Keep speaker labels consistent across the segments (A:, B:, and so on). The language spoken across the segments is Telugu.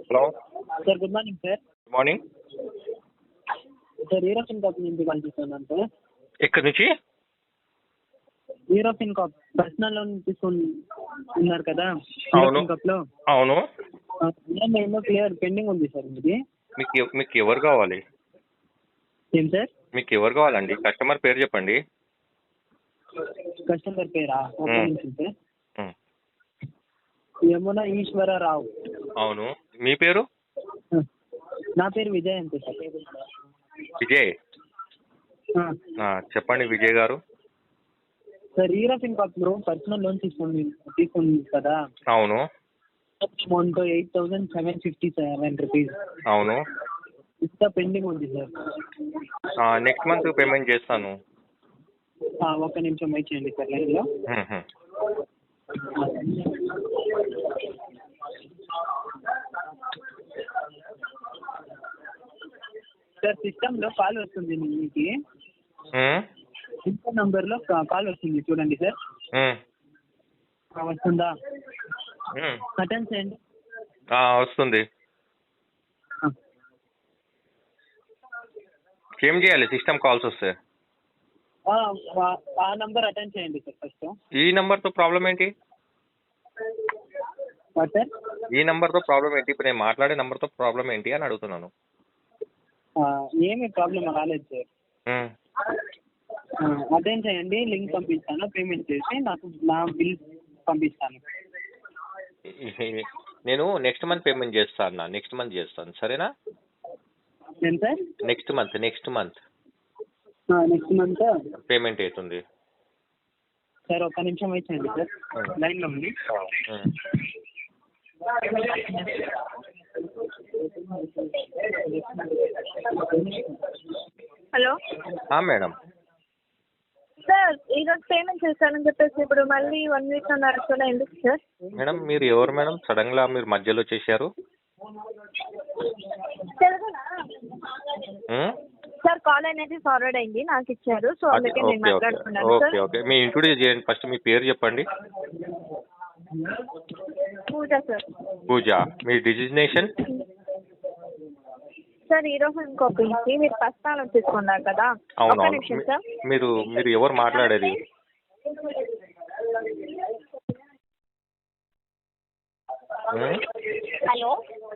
A: Hello
B: sir good morning sir.
A: Good morning.
B: Sir European cup నుంచి కాల్ చేస్తున్నాను సార్.
A: ఎక్కడి నుంచి?
B: యూరోపియన్ కప్ పర్సనల్ లోన్ తీసుకుని ఉన్నారు కదా
A: అవును
B: యూరోపియన్ కప్ లో.
A: అవును.
B: ఏమో క్లియర్ పెండింగ్ ఉంది సార్ ఇది.
A: మీకు ఎవరు కావాలి?
B: ఏం సార్?
A: మీకు ఎవరు కావాలండి? కస్టమర్ పేరు చెప్పండి.
B: కస్టమర్ పేరా? ఒక నిమిషం సార్.
A: ఉమ్.
B: యమున ఈశ్వరరావు.
A: అవును. మీ పేరు?
B: నా పేరు విజయ్ అంతే సార్.
A: విజయ్. చెప్పండి విజయ్ గారు.
B: సార్ యూరోపియన్ కప్ లో పర్సనల్ లోన్ తీసుకుంది కదా.
A: అవును.
B: Amount 8,757 rupees.
A: అవును.
B: ఇంకా పెండింగ్ ఉంది సార్.
A: నెక్స్ట్ మంత్ పేమెంట్ చేస్తాను.
B: ఒక నిమిషం వెయిట్ చేయండి సార్ లైన్లో. సార్ సిస్టంలో కాల్ వస్తుంది మీకు. ఇంకో నంబర్లో కాల్ వస్తుంది చూడండి సార్. వస్తుందా? అటెండ్ చేయండి.
A: వస్తుంది. ఏం చేయాలి సిస్టమ్ కాల్స్ వస్తే?
B: ఆ నంబర్ అటెండ్ చేయండి సార్ ఫస్ట్.
A: ఈ నంబర్తో ప్రాబ్లం ఏంటి?
B: సార్
A: ఈ నంబర్తో ప్రాబ్లం ఏంటి? ఇప్పుడు నేను మాట్లాడే నంబర్తో ప్రాబ్లం ఏంటి అని అడుగుతున్నాను.
B: ఏమీ ప్రాబ్లం రాలేదు సార్. అటెండ్ చేయండి. లింక్ పంపిస్తాను. పేమెంట్ చేసి నాకు నా బిల్ పంపిస్తాను.
A: నేను నెక్స్ట్ మంత్ పేమెంట్ చేస్తాను. నెక్స్ట్ మంత్ చేస్తాను, సరేనా?
B: ఏం sir?
A: Next month
B: next month
A: payment అవుతుంది.
B: సార్ ఒక నిమిషం వెయిట్ చేయండి సార్ లైన్లో ఉంది.
C: Hello
A: madam.
C: సార్ ఈరోజు పేమెంట్ చేస్తానని చెప్పేసి ఇప్పుడు మళ్ళీ 1 వీక్ అన్నారు కదా, ఎందుకు సార్?
A: మేడం మీరు ఎవరు మేడం? సడన్గా మీరు మధ్యలో వచ్చేసారు.
C: తెలుగునా సార్? కాల్ అనేది ఫార్వర్డ్ అయింది, నాకు ఇచ్చారు, సో అందుకే నేను మాట్లాడుతున్నాను సార్.
A: ఓకే. మీ ఇంట్రొడ్యూస్ చేయండి ఫస్ట్. మీ పేరు చెప్పండి.
C: పూజ సార్.
A: పూజ. మీ డిజిగ్నేషన్?
C: సార్ ఈరోజు ఇంకొక నుంచి మీరు పర్సనల్ తీసుకున్నారు కదా.
A: అవును.
C: ఒక నిమిషం సార్.
A: మీరు ఎవరు మాట్లాడేది?
C: హలో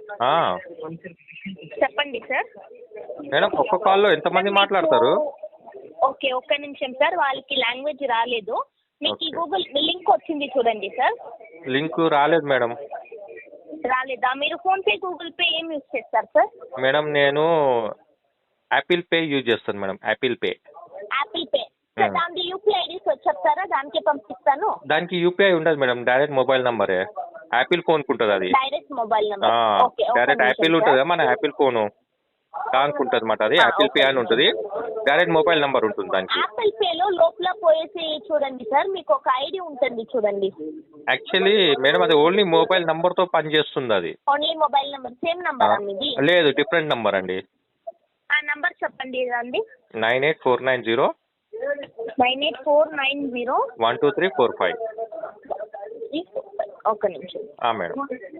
C: చెప్పండి సార్.
A: మేడం ఒక్క కాల్లో ఎంతమంది మాట్లాడతారు?
C: ఓకే ఒక్క నిమిషం సార్, వాళ్ళకి లాంగ్వేజ్ రాలేదు. మీకు ఈ గూగుల్ లింక్ వచ్చింది చూడండి సార్.
A: లింక్ రాలేదు మేడం.
C: రాలేదా? మీరు ఫోన్పే గూగుల్ పే ఏం యూజ్ చేస్తారు సార్?
A: మేడం నేను యాపిల్ పే యూజ్ చేస్తాను మేడం. Apple pay.
C: సార్ దానికి యూపీఐ ఐడి చెప్తారా? దానికే పంపిస్తాను.
A: దానికి యూపీఐ ఉండదు మేడం, డైరెక్ట్ మొబైల్ నంబరే. యాపిల్ ఫోన్ ఉంటుంది అది.
C: Direct mobile number. Okay.
A: Direct Apple ఉంటుంది మన యాపిల్ ఫోను దానికి ఉంటుంది అన్నమాట. అది యాపిల్ పే అని ఉంటుంది. డైరెక్ట్ మొబైల్ నంబర్ ఉంటుంది దానికి.
C: యాపిల్ పేలో లోపల పోయేసి చూడండి సార్, మీకు ఒక ఐడి ఉంటుంది చూడండి.
A: యాక్చువల్లీ మేడం అది ఓన్లీ మొబైల్ నంబర్తో పనిచేస్తుంది అది.
C: Only mobile number. Same number మీది?
A: లేదు, డిఫరెంట్ నంబర్ అండి.
C: ఆ నంబర్ చెప్పండి అండి.
A: 98490
C: 98490
A: 12345.
C: ఒక్క నిమిషం
A: మేడం.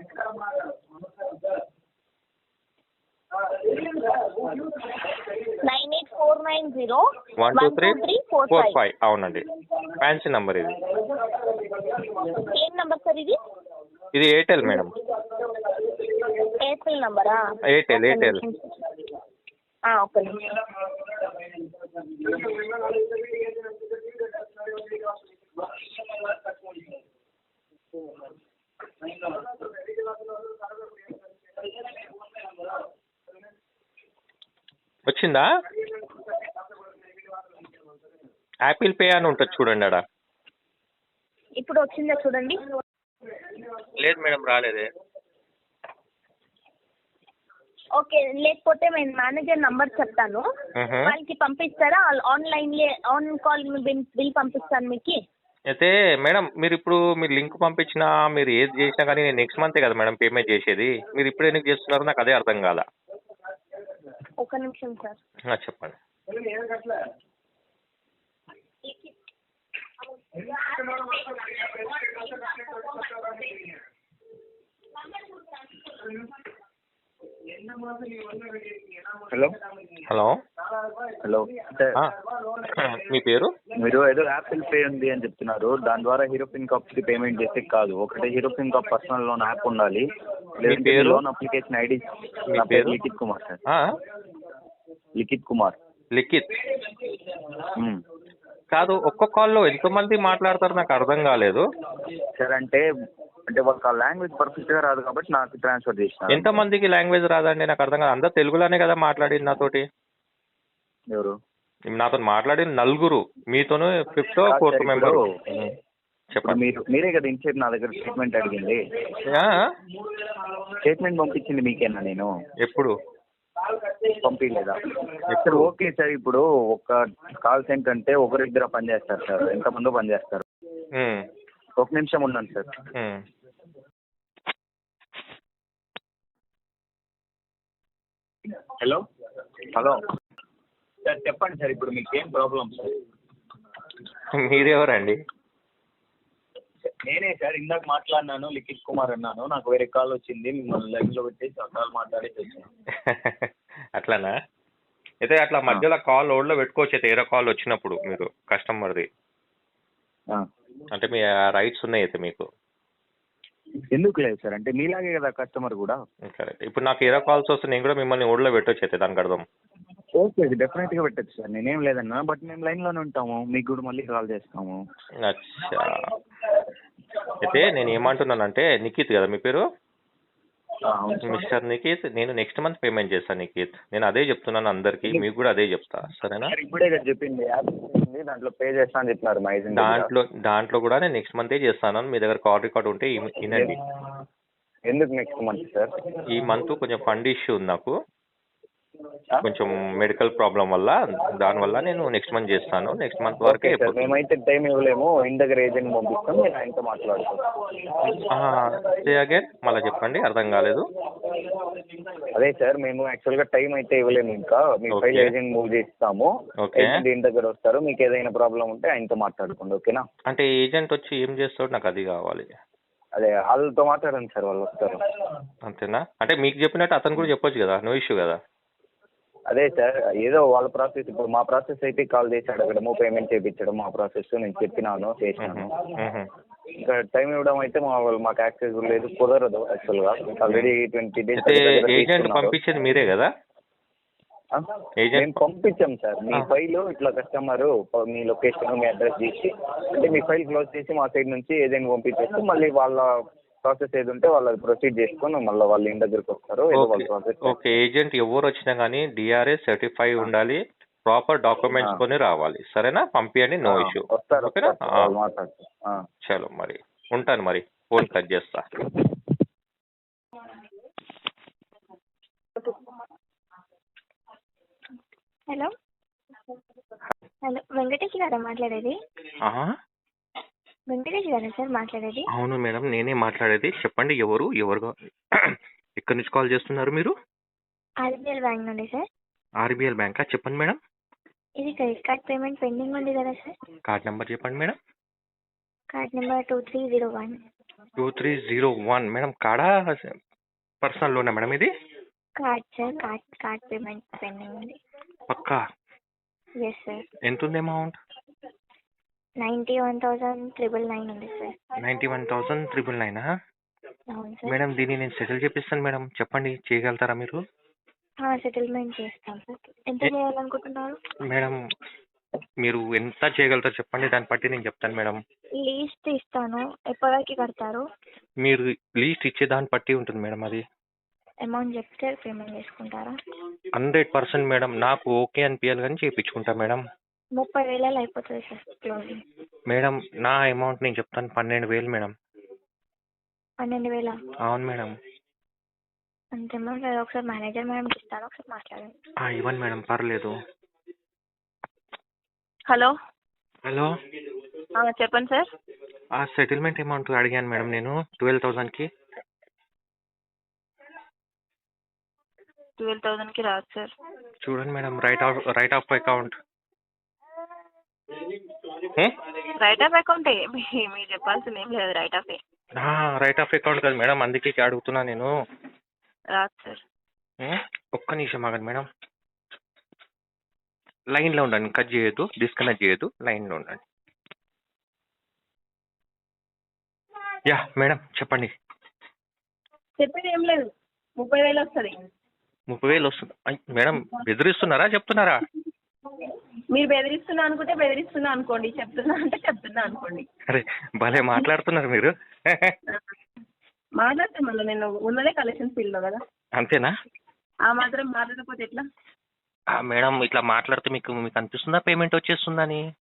C: 98490
A: 12345. అవునండి, ఫ్యాన్సీ నంబర్ ఇది.
C: ఏం నంబర్ సార్ ఇది?
A: ఇది ఎయిర్టెల్ మేడం.
C: ఎయిర్టెల్ నంబరా?
A: ఎయిర్టెల్.
C: ఒక్క నిమిషం.
A: వచ్చిందా? యాపిల్ పే అని ఉంటుంది చూడండి ఆడ.
C: ఇప్పుడు వచ్చిందా చూడండి.
A: లేదు మేడం, రాలేదే.
C: ఓకే, లేకపోతే నేను మేనేజర్ నంబర్ చెప్తాను, వాళ్ళకి పంపిస్తారా? ఆన్ కాల్ బిల్ పంపిస్తాను మీకు.
A: అయితే మేడం మీరు లింక్ పంపించినా మీరు ఏది చేసినా కానీ నేను నెక్స్ట్ మంతే కదా మేడం పేమెంట్ చేసేది. మీరు ఇప్పుడు ఎందుకు చేస్తున్నారు నాకు అదే అర్థం కాదా.
C: ఒక నిమిషం సార్.
A: చెప్పండి.
D: హలో
A: హలో
D: హలో సార్,
A: మీ పేరు?
D: మీరు ఏదో యాపిల్ పే ఉంది అని చెప్తున్నారు. దాని ద్వారా హీరో పిన్ కాప్స్కి పేమెంట్ చేస్తే కాదు. ఒకటి Hero FinCorp personal loan app ఉండాలి. లేదంటే
A: పేరు?
D: Loan application ID.
A: మీ
D: నా
A: పేరు?
D: పేరు లిఖిత్ కుమార్ సార్.
A: ఆ?
D: లిఖిత్ కుమార్.
A: లిఖిత్
D: మ్మ్.
A: కాదు, ఒక్క కాల్లో ఎంతమంది మాట్లాడతారు నాకు అర్థం కాలేదు.
D: సార్ అంటే వాళ్ళకి ఆ లాంగ్వేజ్ పర్ఫెక్ట్గా రాదు కాబట్టి నాకు ట్రాన్స్ఫర్ చేసిన.
A: ఎంతమందికి లాంగ్వేజ్ రాదండి నాకు అర్థం కాదు. అందరు తెలుగులోనే కదా మాట్లాడింది నాతోటి.
D: ఎవరు?
A: నాతో మాట్లాడిన నలుగురు, మీతోనే ఫిఫ్త్
D: కాదు
A: ఫోర్త్
D: సార్,
A: మెంబర్.
D: ఇప్పుడు
A: చెప్పండి.
D: మీరే కదా ఇన్సేపు నా దగ్గర స్టేట్మెంట్ అడిగింది.
A: ఆ?
D: స్టేట్మెంట్ పంపించింది మీకేనా? నేను
A: ఎప్పుడు
D: పంపించలేదా? సార్ ఓకే సార్, ఇప్పుడు ఒక కాల్ సెంటర్ అంటే ఒకరిద్దరు పనిచేస్తారు సార్, ఎంతమందో పనిచేస్తారు.
A: ఉమ్,
D: ఒక నిమిషం ఉన్నాను sir.
A: Um.
D: Hello hello sir, చెప్పండి సార్, ఇప్పుడు మీకు ఏం ప్రాబ్లం సార్?
A: మీరెవరండి?
D: నేనే సార్, ఇందాక మాట్లాడినాను, లిఖిత్ కుమార్ అన్నాను. నాకు వేరే కాల్ వచ్చింది, మిమ్మల్ని లైన్లో పెట్టేసి ఆ కాల్ మాట్లాడేసి వచ్చాను.
A: అట్లానా? అయితే అట్లా మధ్యలో కాల్ ఓడ్లో పెట్టుకోవచ్చు అయితే వేరే కాల్ వచ్చినప్పుడు మీరు కస్టమర్ది. అంటే మీ రైట్స్ ఉన్నాయి అయితే మీకు.
D: ఎందుకు లేదు సార్, అంటే మీలాగే కదా కస్టమర్ కూడా.
A: కరెక్ట్. ఇప్పుడు నాకు వేరే కాల్స్ వస్తే నేను కూడా మిమ్మల్ని ఓడ్లో పెట్టొచ్చు అయితే దానికి అర్థం.
D: ఓకే, డెఫినెట్గా పెట్టచ్చు సార్, నేనేం లేదన్నా. బట్ మేము లైన్లోనే ఉంటాము, మీకు కూడా మళ్ళీ కాల్ చేస్తాము.
A: అచ్చా. అయితే నేను ఏమంటున్నానంటే, నిఖిత్ కదా మీ పేరు?
D: అవును సార్.
A: మిస్టర్ నిఖిత్, నేను నెక్స్ట్ మంత్ పేమెంట్ చేస్తాను నిఖిత్. నేను అదే చెప్తున్నాను అందరికి, మీకు కూడా అదే చెప్తా, సరేనా?
D: సార్ ఇప్పుడే కదా చెప్పింది, యాప్ ఉంది, దాంట్లో పే చేస్తా అని చెప్పినారు మా ఏజెంట్.
A: దాంట్లో కూడా నేను నెక్స్ట్ మంతే చేస్తాను. మీ దగ్గర కాల్ రికార్డ్ ఉంటే వినండి.
D: ఎందుకు నెక్స్ట్ మంత్ సార్?
A: ఈ మంత్ కొంచెం ఫండ్ ఇష్యూ ఉంది నాకు, కొంచెం మెడికల్ ప్రాబ్లం వల్ల. దానివల్ల నేను నెక్స్ట్ మంత్ చేస్తాను. నెక్స్ట్ మంత్ వరకే.
D: సార్ మేమైతే టైం ఇవ్వలేము, ఇంటి దగ్గర ఏజెంట్ పంపిస్తాం, నేను ఆయనతో మాట్లాడతాం.
A: అగైన్ మళ్ళీ చెప్పండి, అర్థం కాలేదు.
D: అదే సార్, మేము యాక్చువల్గా టైం అయితే ఇవ్వలేము, ఇంకా మీ ఫైల్ ఏజెంట్ మూవ్ చేస్తాము. ఏజెంట్ ఇంటి దగ్గర వస్తారు, మీకు ఏదైనా ప్రాబ్లం ఉంటే ఆయనతో మాట్లాడుకోండి, ఓకేనా?
A: అంటే ఏజెంట్ వచ్చి ఏం చేస్తాడు నాకు అది కావాలి.
D: అదే వాళ్ళతో మాట్లాడండి సార్, వాళ్ళు వస్తారు.
A: అంతేనా? అంటే మీకు చెప్పినట్టు అతను కూడా చెప్పొచ్చు కదా, నో ఇష్యూ కదా.
D: అదే సార్, ఏదో వాళ్ళ ప్రాసెస్. ఇప్పుడు మా ప్రాసెస్ అయితే కాల్ చేసి అడగడము, పేమెంట్ చేయించడం మా ప్రాసెస్. నేను చెప్పినాను, చేసినాను. ఇంకా టైం ఇవ్వడం అయితే మాకు యాక్సెస్ లేదు, కుదరదు యాక్చువల్గా. Already 20 days.
A: ఏజెంట్ పంపించేది మీరే కదా?
D: మేము పంపించాం సార్. మీ ఫైల్ ఇట్లా కస్టమర్ మీ లొకేషన్, మీ అడ్రస్ చేసి, అంటే మీ ఫైల్ క్లోజ్ చేసి మా సైడ్ నుంచి ఏజెంట్ పంపించేస్తే మళ్ళీ వాళ్ళ ప్రాసెస్ ఏది ఉంటే వాళ్ళు ప్రొసీడ్ చేసుకొని మళ్ళీ వాళ్ళ ఇంటి దగ్గరికి వస్తారు.
A: ఓకే. ఏజెంట్ ఎవరు వచ్చినా కానీ డిఆర్ఎస్ సర్టిఫై ఉండాలి, ప్రాపర్ డాక్యుమెంట్స్ కొని రావాలి, సరేనా? పంపించండి, నో ఇష్యూ. ఓకేనా? చలో మరి ఉంటాను, మరి ఫోన్ కట్ చేస్తా.
C: హలో హలో, వెంకటేష్ గారా మాట్లాడేది? వెంకటేష్ గారా సార్ మాట్లాడేది?
A: అవును మేడం, నేనే మాట్లాడేది. చెప్పండి, ఎవరు ఎక్కడి నుంచి కాల్ చేస్తున్నారు మీరు?
C: ఆర్బిఎల్ బ్యాంక్ నుండి సార్.
A: ఆర్బిఎల్ బ్యాంకా? చెప్పండి మేడం.
C: ఇది క్రెడిట్ కార్డ్ పేమెంట్ పెండింగ్ ఉంది కదా సార్.
A: కార్డ్ నెంబర్ చెప్పండి మేడం.
C: Card number 2301.
A: 2301 మేడం. కార్డా పర్సనల్ లోనా మేడం ఇది?
C: Card sir, card payment pending ఉంది.
A: పక్కా?
C: Yes sir.
A: ఎంత ఉంది అమౌంట్?
C: 91,999 ఉంది సార్.
A: 91,999.
C: అవును సార్.
A: మేడం దీన్ని నేను సెటిల్ చేపిస్తాను మేడం, చెప్పండి చేయగలుగుతారా మీరు?
C: సెటిల్మెంట్ చేస్తాం సార్. ఎంత చేయాలనుకుంటున్నారు
A: మేడం? మీరు ఎంత చేయగలుగుతారు చెప్పండి, దాన్ని బట్టి నేను చెప్తాను మేడం.
C: లీస్ట్ ఇస్తాను, ఎప్పటివరకు కడతారు?
A: మీరు లీస్ట్ ఇచ్చే దాన్ని బట్టి ఉంటుంది మేడం. అది
C: అమౌంట్ చెప్తే పేమెంట్ చేసుకుంటారా?
A: 100% మేడం. నాకు ఓకే అనిపించాలి కానీ చేయించుకుంటా మేడం.
C: 30,000 అయిపోతుంది సార్ క్లోజింగ్.
A: మేడం నా అమౌంట్ నేను చెప్తాను, 12,000 మేడం.
C: 12,000?
A: అవును మేడం.
C: అంతే మేడం. ఒకసారి మేనేజర్ మేడంకి ఇస్తాను, ఒకసారి మాట్లాడండి.
A: ఇవ్వండి మేడం, పర్లేదు.
C: హలో
A: హలో,
C: చెప్పండి సార్.
A: సెటిల్మెంట్ అమౌంట్ అడిగాను మేడం నేను 12,000కి.
C: 12,000కి రాదు సార్.
A: చూడండి madam, write off account.
C: Write off account మీరు చెప్పాల్సింది ఏం లేదు. రైట్ ఆఫ్
A: అకౌంట్ కదా మేడం, అందుకే అడుగుతున్నా నేను.
C: రాదు సార్.
A: ఒక్క నిమిషం ఆగండి మేడం. లైన్లో ఉండండి, కట్ చేయొద్దు, డిస్కనెక్ట్ చేయొద్దు, లైన్లో ఉండండి. యా మేడం చెప్పండి.
C: చెప్పేది ఏం లేదు, 30,000 వస్తుంది.
A: 30,000 వస్తుంది. మేడం బెదిరిస్తున్నారా చెప్తున్నారా?
C: మీరు బెదిరిస్తున్నా అనుకుంటే బెదిరిస్తున్నా అనుకోండి, చెప్తున్నా అంటే చెప్తున్నా అనుకోండి.
A: అరే భలే మాట్లాడుతున్నారు మీరు.
C: మాట్లాడితే మళ్ళీ నేను ఉన్నదే కలెక్షన్ ఫీల్డ్లో కదా,
A: అంతేనా?
C: ఆ మాత్రం మాట్లాడకపోతే ఎట్లా?
A: మేడం ఇట్లా మాట్లాడితే మీకు మీకు అనిపిస్తుందా పేమెంట్ వచ్చేస్తుందని?